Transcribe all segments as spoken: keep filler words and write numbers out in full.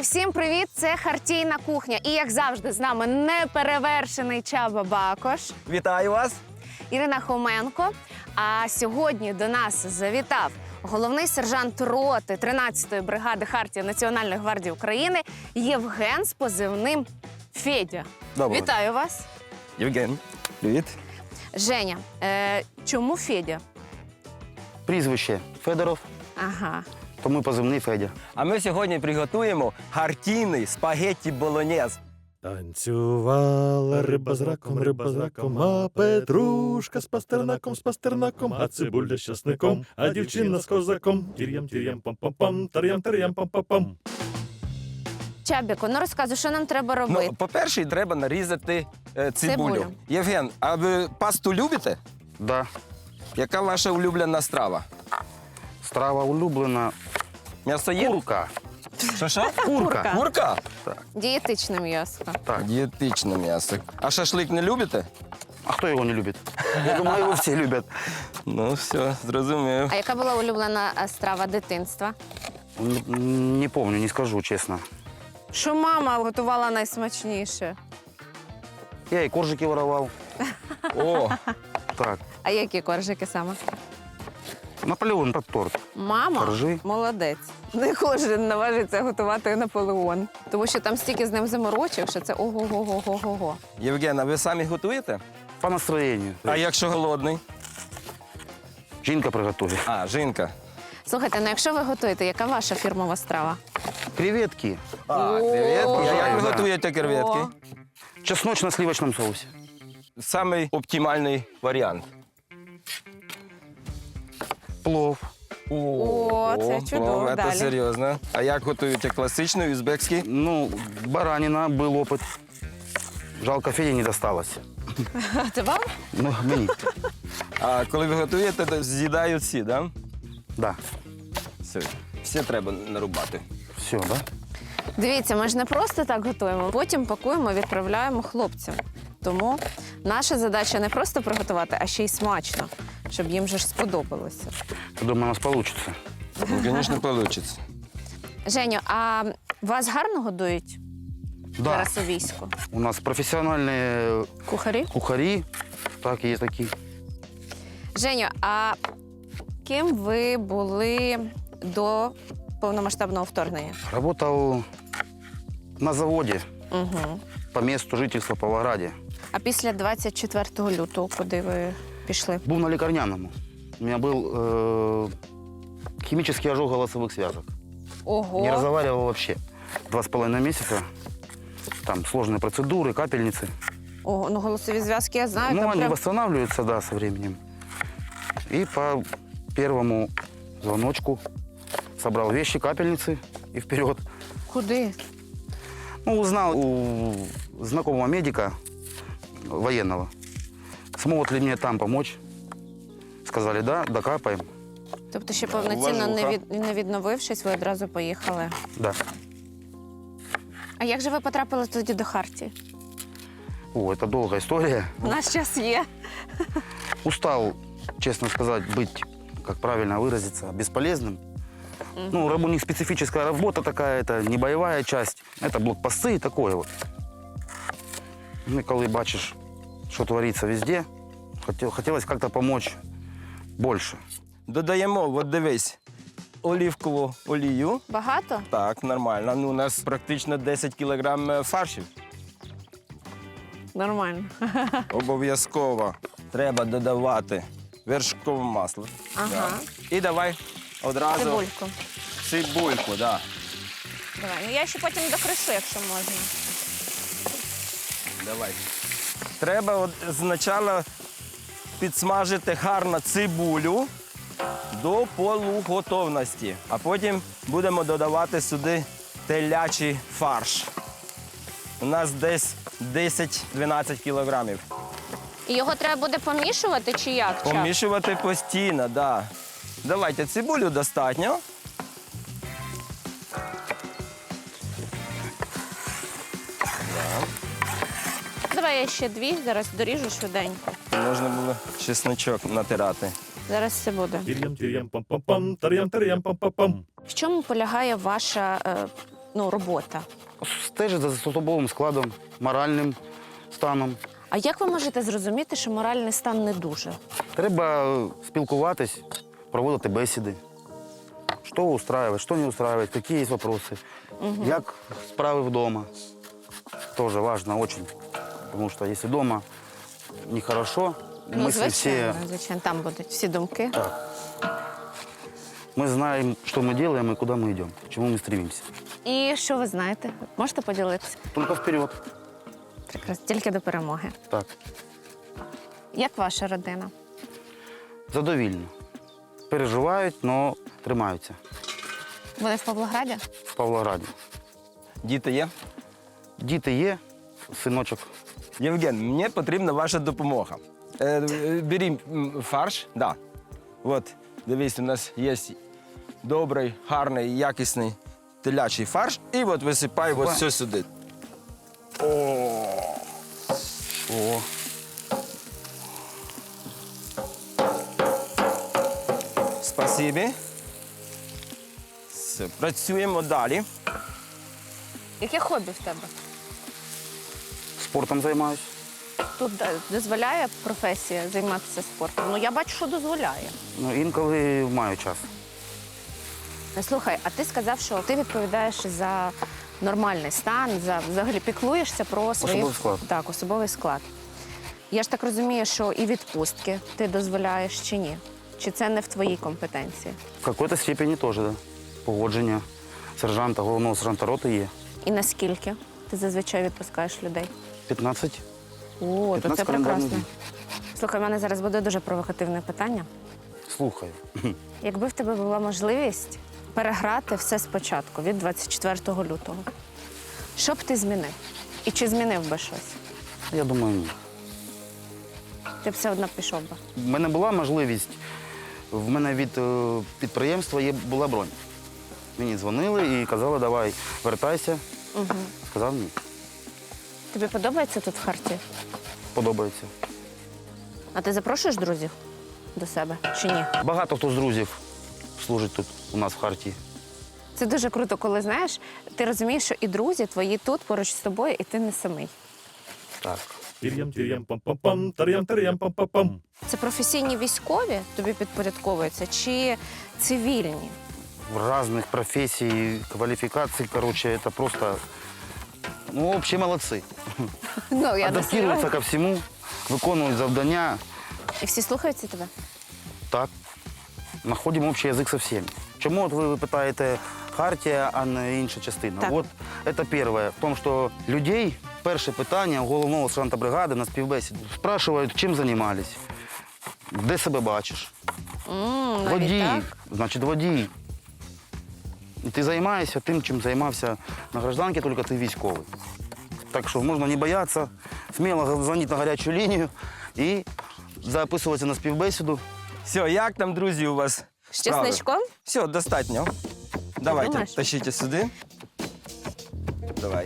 всім привіт! Це Хартійна кухня. І, як завжди, з нами неперевершений Чаба Бакош, Вітаю вас! Ірина Хоменко. А сьогодні до нас завітав головний сержант роти тринадцятої бригади Хартії Національної гвардії України Євген з позивним Федя. Доброго. Вітаю вас! Євген, привіт. Женя, е, чому Федя? Прізвище Федоров, Ага. тому і позивний Федя. А ми сьогодні приготуємо гартійний спагетті болоньєз. Танцювала риба з раком, риба з раком, а петрушка з пастернаком, з пастернаком, а цибуля з часником, а дівчина з козаком. Тір'ям, тір'ям, пам-пам-пам, тар'ям, тар'ям, пам-пам-пам. Чабіко, ну розказуй, що нам треба робити? Ну, по-перше, треба нарізати е, цибулю. Цибулю. Євген, а ви пасту любите? Да, Яка ваша улюблена страва? страва улюблена. М'ясо є? Курка. Що, що? Курка. Курка? Дієтичне м'ясо. Так. Дієтичне м'ясо. А шашлик не любите? А хто його не любить? Я думаю, його всі люблять. Ну, все, зрозумів. А яка була улюблена е, страва дитинства? Н- Не помню, не скажу, чесно. Що мама готувала найсмачніше? Я і коржики воровав. О, Так, А які коржики саме? Наполеон під торт. Мама Коржи. молодець. Не кожен наважиться готувати Наполеон. Тому що там стільки з ним заморочок, що це ого-го-го-го-го. Євген, а ви самі готуєте? По настроєнню. А якщо голодний? Жінка приготує. А, жінка. Слухайте, ну якщо ви готуєте, яка ваша фірмова страва? Креветки. А, креветки. А як ви Да. готуєте креветки? О. Чесночно-сливочному соусі. Самий оптимальний варіант. Плов. О, це чудово. Це Далі. серйозно. А як готуєте класичний, узбекський? Ну, баранина, був опит. Жалко, Феді не досталось. Це вам? Ну, мені. А коли ви готуєте, то з'їдають всі, да? Да. Все. Всі треба нарубати. Все, да? Дивіться, ми ж не просто так готуємо, потім пакуємо, відправляємо хлопцям. Тому наша задача не просто приготувати, а ще й смачно, щоб їм же ж сподобалося. Я думаю, у нас получится. Ну, звісно, вийде. Женю, а вас гарно годують Да. зараз у війську? У нас профессиональные Кухарі? кухари, так, є такі. Женю, а ким ви були до повномасштабного вторгнення? Работал на заводі Угу. по місту жительства Павлограді. А після двадцять четвертого лютого куди ви пішли? Був на лікарняному. У меня был э, химический ожог голосовых связок. Ого! Не разговаривал вообще. Два с половиной месяца. Там сложные процедуры, капельницы. Ого, ну голосові зв'язки я знаю. Ну, там они прям... восстанавливаются, да, со временем. И по первому звоночку собрал вещи, капельницы и вперед. Куди? Ну, узнал у знакомого медика военного, смогут ли мне там помочь. Сказали, да, докапаем. Тобто ще повноцінно не, Уважуха. від... не відновившись, ви одразу поїхали. Да. А як же ви потрапили тоді до Хартії? О, это долгая история. У нас час є. Устал, честно сказать, быть, как правильно выразиться, бесполезным. Ну, раб- у них специфическая работа такая, это не боевая часть, это блокпосты и такое вот. Ну, и коли бачишь, что творится везде, хотел, хотелось как-то помочь больше. Додаємо, от дивись, олівкову олію. Багато? Так, нормально. Ну, у нас практично десять кілограм е, фаршів. Нормально. Обов'язково треба додавати вершкове масло. Ага. Да. І давай одразу Цибульку. цибульку, да. Давай. Ну я ще потім докришу, якщо можна. Давай. Треба от спочатку підсмажити гарно цибулю до полуготовності, а потім будемо додавати сюди телячий фарш. У нас десь десять-дванадцять кілограмів. І його треба буде помішувати чи як? Чак? Помішувати постійно, так. Да. Давайте цибулю достатньо. Давай я ще дві, зараз доріжу швиденько. Можна було чесночок натирати. Зараз все буде. Тір'ям, тір'ям, пам-пам-пам, тар'ям, тар'ям, пам-пам-пам. В чому полягає ваша е, ну, робота? Стежить за особовим складом, моральним станом. А як ви можете зрозуміти, що моральний стан не дуже? Треба спілкуватись, проводити бесіди. Що устраивает, що не устраивает, які є вопроси. Угу. Як справи вдома. Тоже важно очень. Потому что если дома нехорошо, Ну, мысли звичайно, все... звичайно, там будуть всі думки. Так. Мы знаем, что мы делаем и куда мы идем, к чему мы стремимся. І що ви знаєте? Можете поділитися? Только вперед. Прекрасно, тільки до перемоги. Так. Як ваша родина? Задовільно. Переживають, але тримаються. Вони в Павлограді? В Павлограді. Діти є? Діти є, синочок. Євген, мені потрібна ваша допомога. Е, е, Беріть м, фарш, да. От, дивись, у нас є добрий, гарний, якісний телячий фарш. І от висипай ось все сюди. О, Спасибі. Все, працюємо далі. Яке хобі в тебе? спортом займаюсь. Тут е, дозволяє професія займатися спортом? Ну, я бачу, що дозволяє. Ну, інколи маю час. Ну, слухай, а ти сказав, що ти відповідаєш за нормальний стан, за взагалі піклуєшся про свої... Особовий склад. Так, особовий склад. Я ж так розумію, що і відпустки ти дозволяєш чи ні? Чи це не в твоїй компетенції? В какой-то степені теж, да. Погодження сержанта, головного сержанта роти є. І наскільки ти зазвичай відпускаєш людей? п'ятнадцять. О, то це п'ятнадцять календарних прекрасно. днів. Слухай, в мене зараз буде дуже провокативне питання. Слухаю. Якби в тебе була можливість переграти все спочатку, від двадцять четвертого лютого, що б ти змінив? І чи змінив би щось? Я думаю, ні. Ти б все одно пішов би. В мене була можливість, в мене від е, підприємства є, була бронь. Мені дзвонили і казали, давай, вертайся. Угу. Сказав ні. Тобі подобається тут в Харті? Подобається. А ти запрошуєш друзів до себе чи ні? Багато хто з друзів служить тут у нас в Харті. Це дуже круто, коли знаєш, ти розумієш, що і друзі твої тут поруч з тобою, і ти не самий. Так. Тир'ям, тир'ям, пам-пам-пам, тар'ям, тар'ям, пам-пам-пам. Це професійні військові тобі підпорядковуються чи цивільні? В різних професій, кваліфікацій, коротше, це просто, ну, взагалі молодці. Ну, я не Адаптуються серйозно. ко всьому, виконують завдання. І всі слухаються тебе? Так. Знаходимо общий язик з всіма. Чому от ви питаєте Хартія, а не інша частина? Так. От це перше. В тому, що людей перше питання у головного сержанта бригади на співбесіді спрашують, чим займались, де себе бачиш. М, навіть Водій, так? значить водій. І ти займаєшся тим, чим займався на гражданці, тільки ти військовий. Так що можна не боятися, сміло дзвонити на гарячу лінію і записуватися на співбесіду. Все, як там, друзі, у вас З справи? чесничком? Все, достатньо. Давайте, думаєш? тащите сюди. Давай.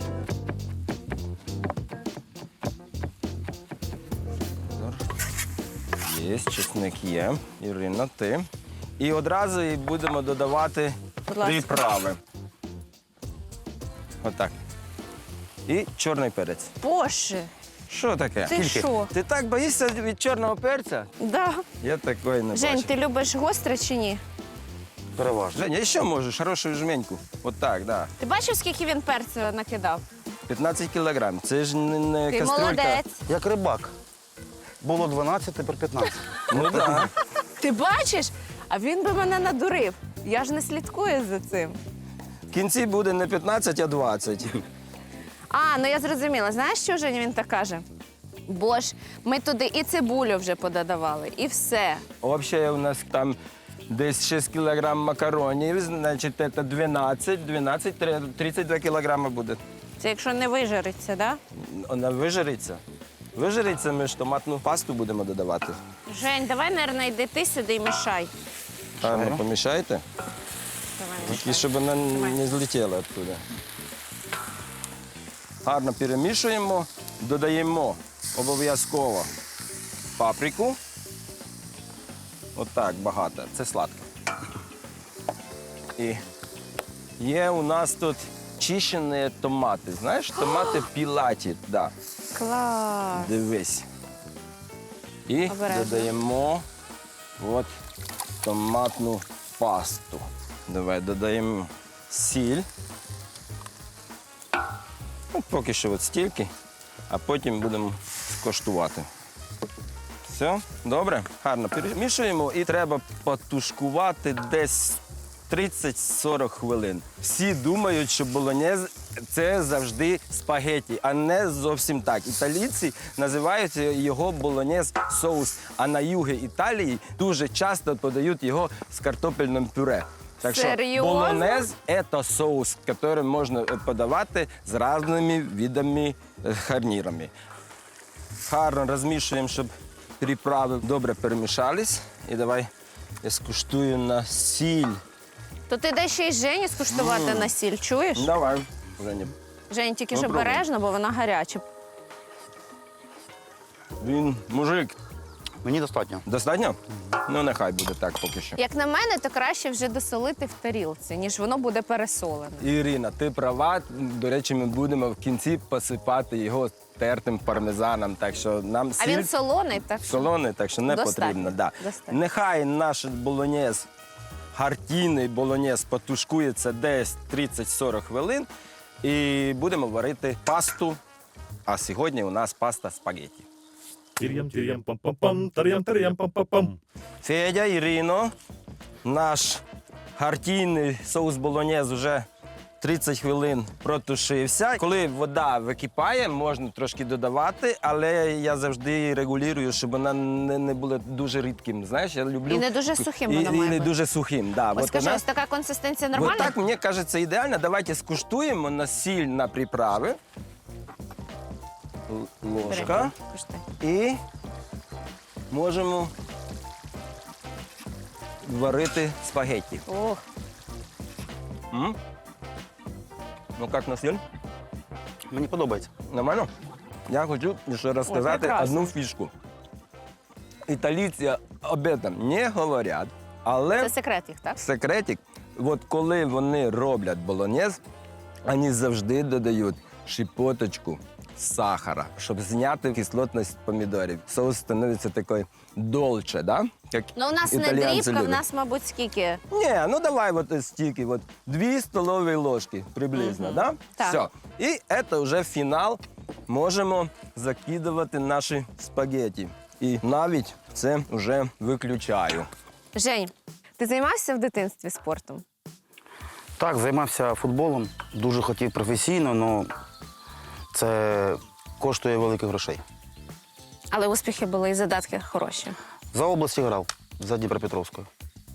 Є, чесник є. Ірина, ти. І одразу і будемо додавати Будь ласка. приправи. Отак. І чорний перець. Боже, Що таке? ти що? Ти так боїшся від чорного перця? Да. Я такої не Жень, бачив. ти любиш гостре чи ні? Переважно. Женя, ще можеш хорошу жменьку. От так, да. Ти бачив, скільки він перцю накидав? п'ятнадцять кілограм. Це ж не, не Ти кастрюлька. молодець. Як рибак. Було дванадцять, тепер п'ятнадцять. Ну так. Ти бачиш? А він би мене надурив. Я ж не слідкую за цим. В кінці буде не п'ятнадцять, а двадцять. А, ну я зрозуміла. Знаєш, що Жень він так каже? Бо ж ми туди і цибулю вже пододавали, і все. Взагалі у нас там десь шість кілограм макаронів, значить це дванадцять, дванадцять, тридцять два кілограми буде. Це якщо не вижариться, да? Вона вижариться. Вижариться, ми ж томатну пасту будемо додавати. Жень, давай, наверное, йди ти сюди і мішай. А ну помішайте, Давай, тільки мішай. щоб вона не злетіла оттуда. Гарно перемішуємо, додаємо обов'язково паприку. Отак багато, це сладко. І є у нас тут чищені томати. Знаєш, томати пілаті, да. Клас. Дивись. І Обережно. додаємо от томатну пасту. Давай додаємо сіль. Ну, поки що от стільки, а потім будемо скоштувати. Все, добре, гарно перемішуємо і треба потушкувати десь тридцять-сорок хвилин. Всі думають, що болонез – це завжди спагетті, а не зовсім так. Італійці називають його болонез соус, а на югі Італії дуже часто подають його з картопельним пюре. Так що Серйозно? болонез – це соус, який можна подавати з різними видами е, гарнірами. Гарно розмішуємо, щоб приправи добре перемішались. І давай я скуштую на сіль. То ти дай ще й Жені скуштувати на сіль, чуєш? Давай, Женя. Жень, тільки ж Попробуй. обережно, бо вона гаряча. Він мужик. Мені достатньо. Достатньо? Ну, нехай буде так поки що. Як на мене, то краще вже досолити в тарілці, ніж воно буде пересолене. Ірина, ти права. До речі, ми будемо в кінці посипати його тертим пармезаном. Так що нам А сіль він солоний, так що солоний, так що не Достатньо. потрібно. Да. Достатньо. Нехай наш болонез, гартійний болонез потушкується десь тридцять-сорок хвилин. І будемо варити пасту. А сьогодні у нас паста спагетті. Тир'ям, тир'ям, пам-пам-пам, тар'ям, тар'ям, пам-пам-пам. Федя, Ірино, наш гартійний соус болонез вже тридцять хвилин протушився. Коли вода википає, можна трошки додавати, але я завжди регулюю, щоб вона не, не була дуже рідким. Знаєш, я люблю... І не дуже сухим і, вона має і не бути. дуже сухим, да. Ось От скажи, вона- ось така консистенція Вот нормальна? так, мені кажеться, ідеально. Давайте скуштуємо на сіль, на приправи. Л- Ложка. Бери, куштуй. І можемо варити спагетті. Ох, М? Ну, як на сіль? Мені подобається. Нормально? Я хочу ще розказати прекрасно. одну фішку. Італійці об этом не говорять, але це секрет їх, так? секретик, от коли вони роблять болонез, вони завжди додають шипоточку сахара, щоб зняти кислотність помідорів. Соус становиться такий долче, да? Як Ну, у нас не італійці дрібка, в люблять. нас, мабуть, скільки? Ні, ну давай от стільки, от дві столові ложки приблизно, Мгм. да? Так. Все. І це вже фінал. Можемо закидувати наші спагетті. І навіть це вже виключаю. Жень, ти займався в дитинстві спортом? Так, займався футболом, дуже хотів професійно, але це коштує великих грошей. Але успіхи були і задатки хороші. За області грав, за Дніпропетровською.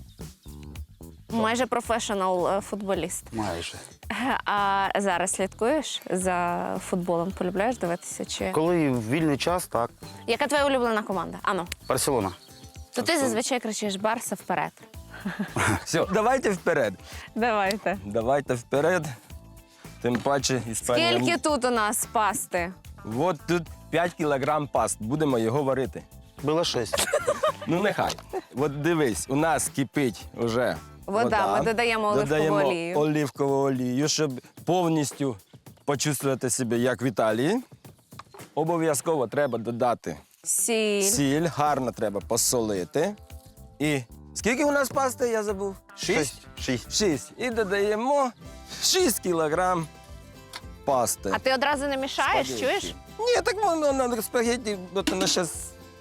Майже професіонал е, футболіст. Майже. А зараз слідкуєш за футболом? Полюбляєш дивитися? Чи Коли вільний час, так. яка твоя улюблена команда? Ану, Барселона. то ти зазвичай кричиш Барса вперед. Все, давайте вперед. Давайте. Давайте вперед. Тим паче Іспанія. Скільки тут у нас пасти? От тут п'ять кілограм паст. Будемо його варити. Було шість. Ну нехай. От дивись, у нас кипить вже Вода, ми додаємо оливкову додаємо олію. оливкову олію, щоб повністю почувствувати себе як в Італії. Обов'язково треба додати Сіль. сіль, гарно треба посолити. І скільки у нас пасти, я забув? Шість? Шість. Шість. І додаємо шість кілограм пасти. А ти одразу не мішаєш, Спагетті. чуєш? Ні, так воно на спагетті, от воно зараз.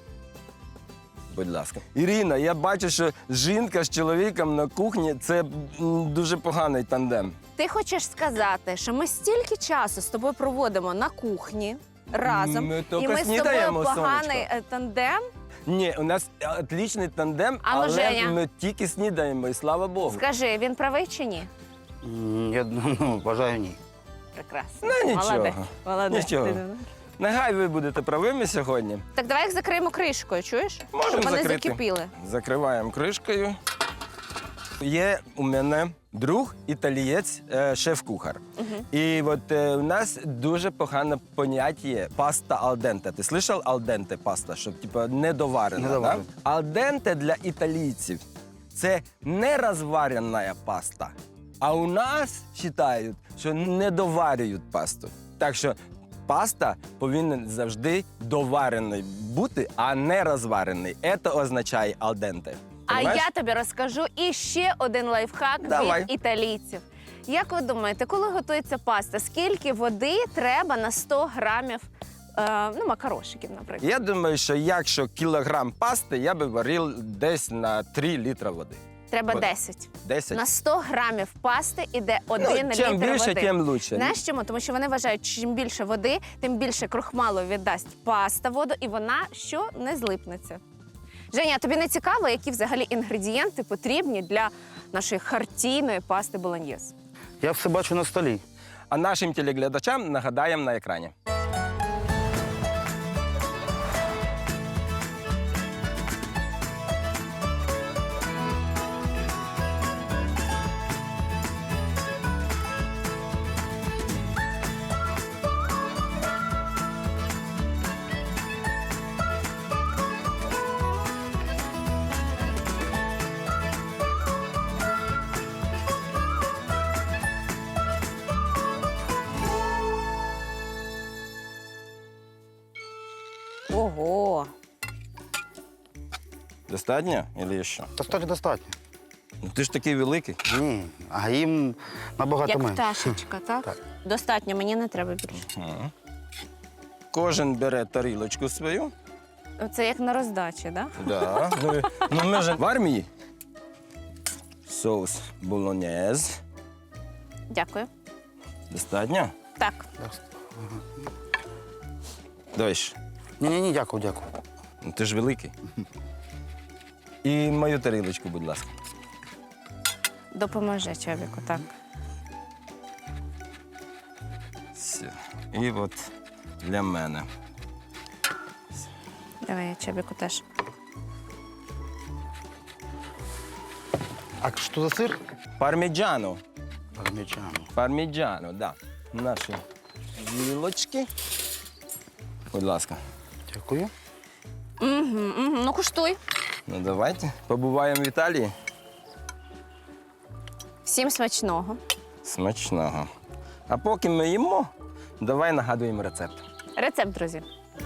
Будь ласка. Ірина, я бачу, що жінка з чоловіком на кухні це м, дуже поганий тандем. Ти хочеш сказати, що ми стільки часу з тобою проводимо на кухні разом, Ми і тільки ми з тобою снідаємо, поганий сонечко. е, тандем? Ні, у нас отличний тандем, А ну, але Женя. ми тільки снідаємо, і слава Богу. Скажи, він правий чи ні? М, Я ну, вважаю, ні. Прекрасно. Ну, нічого. Молодець. Молодець. Нічого. Нехай ви будете правими сьогодні. Так давай їх закриємо кришкою, чуєш? Можемо Щоб вони закрити. закипіли. Закриваємо кришкою. Є у мене друг італієць, е, шеф-кухар. І от е, у нас дуже погане поняття є паста алденте. Ти слышав алденте паста, щоб типу, недоварена? Недоварена. Да? Алденте для італійців це не розварена паста. А у нас вважають, що не доварюють пасту. Так що паста повинна завжди доварений бути, а не розварений. Це означає алденте. А я тобі розкажу і ще один лайфхак Давай. від італійців. Як ви думаєте, коли готується паста, скільки води треба на сто грамів е, ну, макарошиків, наприклад? Я думаю, що якщо кілограм пасти, я би варив десь на три літра води. Треба вода. десять. десять. На сто грамів пасти іде один ну, чим літр більше, води. тим лучше. Знаєш чому? Тому що вони вважають, що чим більше води, тим більше крохмалу віддасть паста воду, і вона що не злипнеться. Женя, а тобі не цікаво, які взагалі інгредієнти потрібні для нашої хартійної пасти болоньєз? Я все бачу на столі. А нашим телеглядачам нагадаємо на екрані. Ого! Достатньо? Или ще? Достатньо, достатньо. Ну, ти ж такий великий. Ні, а їм набагато Як менше. пташечка, так? Так. Достатньо, мені не треба більше. Ага. Кожен бере тарілочку свою. Це як на роздачі, так? Да. Ну, ну, ми ж в армії. Соус болоньєз. Дякую. Достатньо? Так. Давай ще. Ні-ні-ні, дякую, дякую. Ну, ти ж великий. І мою тарілочку, будь ласка. Допоможи, Чобіку, так. Все. І от для мене. Давай я Чобіку теж. А що за сир? Парміджано. Пармічано. Парміджано, да. Наші вілочки. Будь ласка. Дякую. Угу, угу. Ну, куштуй. Ну, давайте. Побуваємо в Італії. Всім смачного. Смачного. А поки ми їмо, давай нагадуємо рецепт. Рецепт, друзі.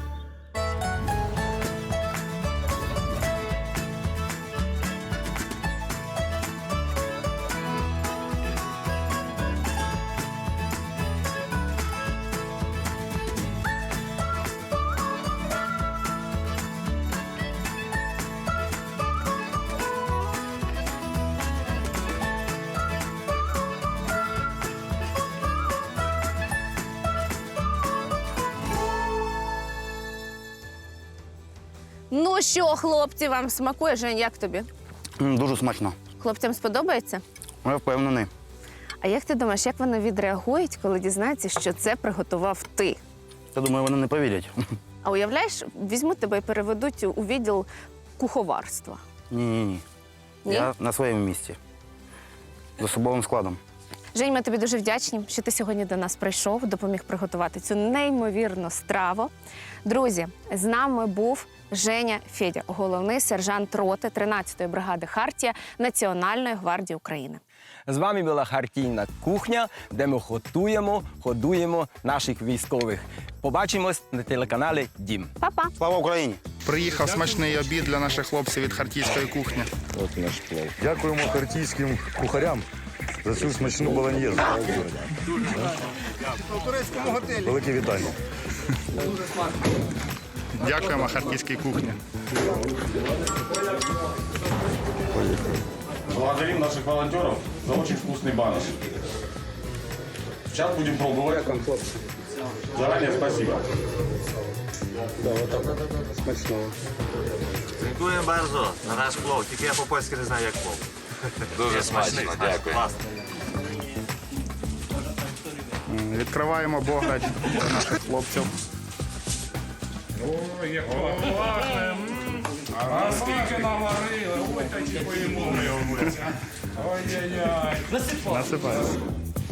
Ну що, хлопці, вам смакує? Жень, як тобі? М, Дуже смачно. Хлопцям сподобається? Я впевнений. А як ти думаєш, як вони відреагують, коли дізнаються, що це приготував ти? Я думаю, вони не повірять. А уявляєш, візьмуть тебе і переведуть у відділ куховарства. Ні-ні-ні. Ні? Я на своєму місці. З особовим складом. Жень, ми тобі дуже вдячні, що ти сьогодні до нас прийшов, допоміг приготувати цю неймовірну страву. Друзі, з нами був Женя Федя, головний сержант роти тринадцятої бригади «Хартія» Національної гвардії України. З вами була Хартійна кухня, де ми готуємо, годуємо наших військових. Побачимось на телеканалі Дім. Па-па! Слава Україні! Приїхав смачний обід для наших хлопців від хартійської кухні. От наш плов. Дякуємо хартійським кухарям за цю смачну болоньєзу. Велике вітання. Дякуємо хартійській кухні. Благодарим наших волонтеров за очень вкусный баныш. Сейчас будем пробовать. Заранее спасибо. Dziękuję bardzo na nasz plov, tylko ja po polsku nie знаю, як plov. Дуже смачно, дякую. М, Відкриваємо бограч для наших хлопців. А скільки наварили, ой, такі поїмо ми. Ой-ой-ой. Насипаємо.